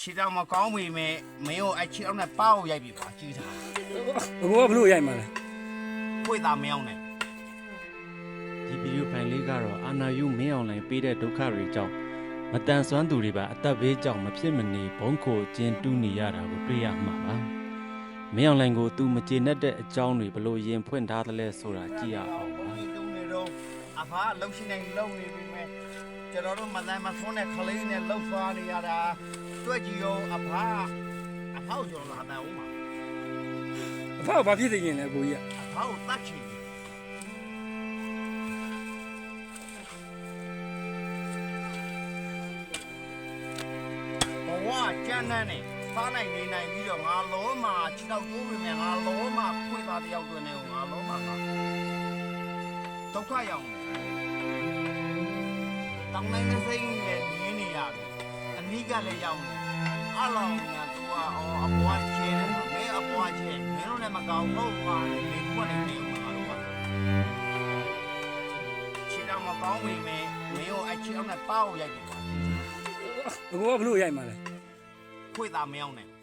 ခြေတောင်မကောင်းပေမဲ့မင်းတို့အဲ့ခြေတောင်နဲ့ပါကိုရိုက်ပြီပါကြည့်တာဘကိုကဘလို့ရိုက်မှာလဲခွေသားမယောင်းနဲ့ဒီဗီဒီယိုဖိုင်လေးကတော့အာနာယူမင်းအောင်လိုင်းပေးတဲ့ဒုက္ခတွေကြောင့်မတန်ဆွမ်းသူတွေပါအသက်ဘေးကြောင့်မဖြစ်မနေဘုံခိုကျင်းတူးနေရတာကိုတွေ့ရမှာပါမင်းအောင်လိုင်းကိုသူမကျေနပ်တဲ့အကြောင်းတွေဘလို့ရင်ဖွင့်ထားသလဲဆိုတာကြည့်ရအောင်ပါတုံးနေတော့အဖားလှုပ်ရှင်နေလှုပ်နေပြီမဲ့ကျွန်တော်တို့မတိုင်းမဆွန်းတဲ့ခလေးနဲ့လှုပ်သွားနေရတာတွေ့ကြည့်ရောအဖားကိုကျွန်တော်လာတယ်ဦးမှာအဖေကဘာဖြစ်နေရင်လဲကိုကြီးအဖားကိုတတ်ချင်တယ်ဘဝကျန်းတဲ့နဲ့စားနိုင်နေနိုင်ပြီးတော့ငါလုံးမှာခြေတော့တိုးပြီမဲ့ငါလုံးမှာဖွင့်သားတယောက်တွင်နေငါလုံးမှာဒုက္ခရောက်နေတောင်းနိုင်တဲ့စိတ်နဲ့မြင်နေရတယ်အနိကလည်းရောက်နေအလောင်းကသူကအပွားချဲတယ်မင်းအပွားချဲမင်းတို့လည်းမကောင်းဟုတ်ပါဘူးဒီကွက်နေနေမှာလို့ပါခြေတော့မကောင်းပေမဲ့မင်းတို့အချေအောင်နဲ့ပါကိုရိုက်ပြီဘကိုကဘလို့ရိုက်မှာလဲခွေသားမယောင်းနဲ့